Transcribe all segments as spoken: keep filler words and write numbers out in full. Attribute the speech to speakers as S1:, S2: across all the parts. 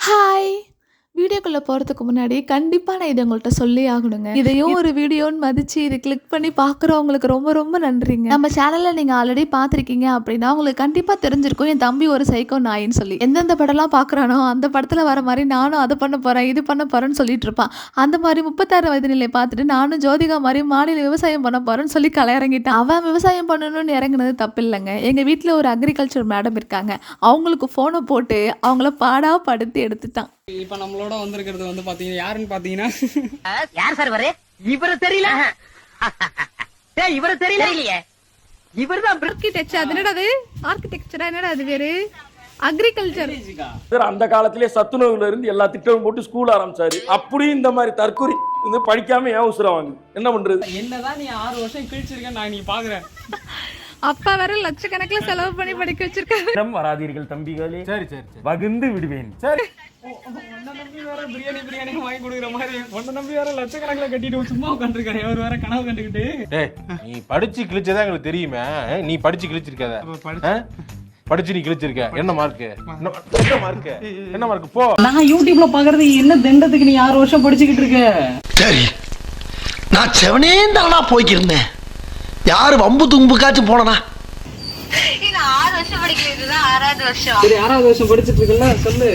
S1: Hi! வீடியோக்குள்ள போறதுக்கு முன்னாடி கண்டிப்பா நான் இத உங்கள்ட்ட சொல்லியே ஆகணுங்க. இதையும் ஒரு வீடியோன்னு மதிச்சு இத கிளிக் பண்ணி பார்க்குறவங்களுக்கு ரொம்ப ரொம்ப நன்றிங்க. நம்ம சேனல்ல நீங்க ஆல்ரெடி பார்த்துருக்கீங்க அப்படின்னா, உங்களுக்கு கண்டிப்பா தெரிஞ்சிருக்கும் என் தம்பி ஒரு சைக்கோ நாயின்னு சொல்லி. எந்தெந்த படம்லாம் பார்க்குறானோ, அந்த படத்துல வர மாரி நானும் அத பண்ண போறேன், இது பண்ண போறேன்னு சொல்லிட்டு இருப்பான். அந்த மாரி முப்பத்தாறு வயது நிலைய பார்த்துட்டு நானும் ஜோதிகா மாரி மாடியில விவசாயம் பண்ண போறேன்னு சொல்லி கள இறங்கிட்டான். அவன் விவசாயம் பண்ணணும்னு இறங்குனது தப்பில்லங்க. எங்க வீட்ல ஒரு அக்ரிகல்ச்சர் மேடம் இருக்காங்க. அவங்களுக்கு ஃபோன போட்டு அவங்கள பாடா படுத்தி எடுத்துட்டான்.
S2: இப்ப நம்மளோட வந்திருக்கிறது வந்து பாத்தீங்கன்னா யாருன்னு பாத்தீங்கன்னா
S3: யார் சார் வரு இவரு தெரியல டேய் இவரு தெரியல இல்லையே இவர்தான்
S1: ஆர்கிடெக்சர். அது என்னடா அது? ஆர்கிடெக்சரா என்னடா அது வேறு? அக்ரிகல்ச்சர்.
S4: அந்த காலத்திலே சத்துணவுல இருந்து எல்லா திட்டமும் போட்டு ஸ்கூல் ஆரம்பிச்சாரு. அப்படியும் இந்த மாதிரி தற்கொலை வந்து படிக்காம ஏன் உசுரம் வாங்க என்ன பண்றது?
S2: என்னதான் நீ ஆறு வருஷம் கிழிச்சிருக்க நான் நீ பாக்குறேன்.
S1: அப்பா வேற லட்சக்கணக்கில் செலவு பண்ணி படிக்க வச்சிருக்காரு.
S4: வராதீர்கள் தம்பிகளே. சரி சரி வகுந்து விடுவேன். சரி
S2: ஒன்ன நம்பி வேற பிரியாணி பிரியாணி வாங்கி கொடுக்குற மாதிரி ஒன்ன நம்பி வேற லட்சக்கணக்கில் கட்டிட்டு சும்மா உட்காந்துருக்காரு. அவர் வேற கனவு கண்டுக்கிட்டு.
S5: நீ படிச்சு கிழிச்சதா எங்களுக்கு தெரியுமே. நீ படிச்சு கிழிச்சிருக்காத. படிச்சு நீ கிழிச்சிருக்க. என்ன மார்க்? என்ன மார்க்? என்ன மார்க்? போ.
S2: நான் யூடியூப்ல பாக்குறது என்ன தண்டத்துக்கு நீ ஆறு வருஷம் படிச்சுக்கிட்டு இருக்க?
S6: சரி நான் செவனே தானா போய்க்கிருந்தேன். யாரு வம்பு தும்புக்காச்சும் போனா
S7: ஆறு வருஷம் படிக்கிறதுதான் ஆறாவது வருஷம்.
S2: சரி ஆறாவது வருஷம் படிச்சிட்டு இருக்கல சொல்லு.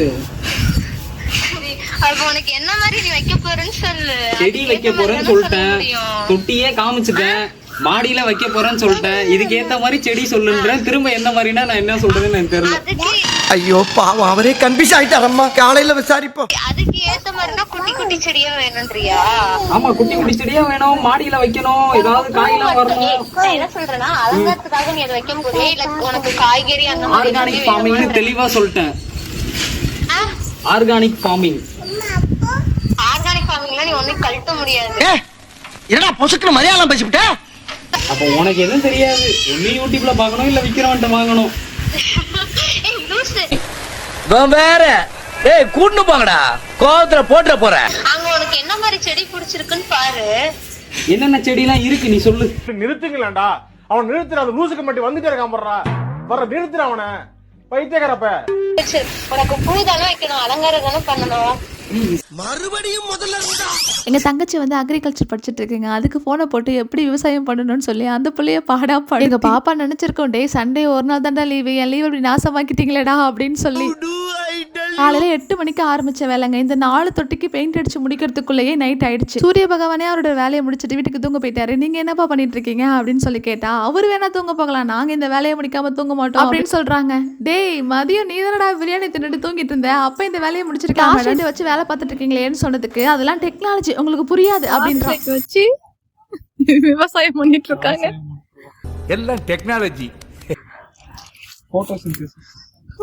S7: அப்ப உனக்கு என்ன மாதிரி நீ வைக்க போறேன்னு சொல்லு.
S2: செடி வைக்க போறேன்னு சொல்லிட்டேன். தொட்டியே காமிச்சிட்டேன். மாடியில வைக்க போறேன்னு சொல்லிட்டேன். இதுக்கு ஏத்த மாதிரி செடி சொல்லுன்றேன். திரும்ப என்ன மாதிரினா நான் என்ன சொல்றதுன்னு எனக்கு தெரியல.
S6: ஐயோ பாவம் அவரே கன்ஃபியூஸ் ஆயிட்டாரம்மா. காலையில விசாரிப்போம்.
S7: அதுக்கு ஏத்த மாதிரினா குட்டி குட்டி செடியா வேணும்ன்றியா?
S2: ஆமா குட்டி குட்டி செடியா வேணும். மாடியில வைக்கணும். ஏதாவது காயெல்லாம் வரணும்.
S7: நான் என்ன சொல்றேன்னா அலங்காரத்துக்காக நீ அதை வைக்க போறியா இல்ல உனக்கு காய்கறி அந்த மாதிரி
S2: ஆர்கானிக் ஃபார்மிங்னு தெளிவா சொல்லிட்டேன். Organic farming.
S7: ஆர்கானிக் ஃபார்மிங்ல நீ ஒண்ணும் கழட்ட முடியாது.
S6: என்னடா பொசுக்குன்னு மலையாளம் பேசிவிட்ட?
S2: அப்ப உனக்கு எதுவும் தெரியாது. ஒண்ணு யூடியூப்ல பாக்கணும் இல்ல விக்கிறவன்ட்ட வாங்கணும்.
S7: ஏய் லூசு.
S3: வேற ஏய் கூட்டு போங்கடா. கோவத்துல போட்ற போற.
S7: அங்க உனக்கு என்ன மாதிரி செடி பிடிச்சிருக்குன்னு பாரு.
S2: என்னென்ன செடி எல்லாம் இருக்கு நீ சொல்லு.
S5: நிறுத்துங்களேன்டா. அவன் நிறுத்துற அந்த லூசுக்கு மட்டும் வந்துட்டே இருக்கான் போடுறா. வர நிறுத்துற அவனை. பைத்தியக்காரப்ப.
S7: உனக்கு பூதானே வைக்கணும். அலங்காரம் தானே பண்ணணும்.
S6: மறுபடியும் முதல்ல இருந்தா
S1: எங்க தங்கச்சி வந்து அக்ரிகல்ச்சர் படிச்சுட்டு இருக்குங்க. அதுக்கு போனை போட்டு எப்படி விவசாயம் பண்ணணும்னு சொல்லி அந்த பிள்ளைய பாடா பாடு. எங்க பாப்பா நினைச்சிருக்கோம் டே சண்டே ஒரு நாள் தாண்டா லீவு, என் லீவ் இப்படி நாசமாக்கிட்டீங்களேடா அப்படின்னு சொல்லி. காலையில எட்டு மணிக்கு ஆரம்பிச்ச வேலைங்க. இந்த நாலு தொட்டிக்கு பெயிண்ட் அடிச்சு முடிக்கிறதுக்குள்ளேயே நைட் ஆயிடுச்சு. சூரிய பகவானே அவரோட வேலையை முடிச்சுட்டு வீட்டுக்கு தூங்க போயிட்டாரு. நீங்க என்னப்பா பண்ணிட்டு இருக்கீங்க அப்படின்னு சொல்லி கேட்டா, அவரு வேணா தூங்க போகலாம், நாங்க இந்த வேலையை முடிக்காம தூங்க மாட்டோம் அப்படின்னு சொல்றாங்க. டேய் மதியம் நீ தானடா பிரியாணி தின்னுட்டு தூங்கிட்டு இருந்த, அப்ப இந்த வேலையை முடிச்சிருக்காங்க வச்சு வேலை பார்த்துட்டு இருக்கீங்களேன்னு சொன்னதுக்கு அதெல்லாம் டெக்னாலஜி உங்களுக்கு புரியாது அப்படின்னு வச்சு விவசாயம் பண்ணிட்டு இருக்காங்க.
S8: எல்லாம் டெக்னாலஜி.
S2: போட்டோசிந்தசிஸ்.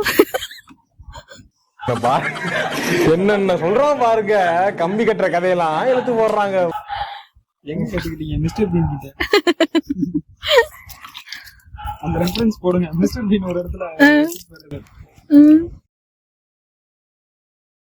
S5: என்னென்ன சொல்றான் பாருங்க. கம்பி கட்டுற கதையெல்லாம் எழுத்து போடுறாங்க.
S2: எங்க கேட்டுக்கிட்டீங்க மிஸ்டர் பீன் கிட்ட? அந்த ரெஃபரன்ஸ் போடுங்க. மிஸ்டர் பீன் ஒரு இடத்துல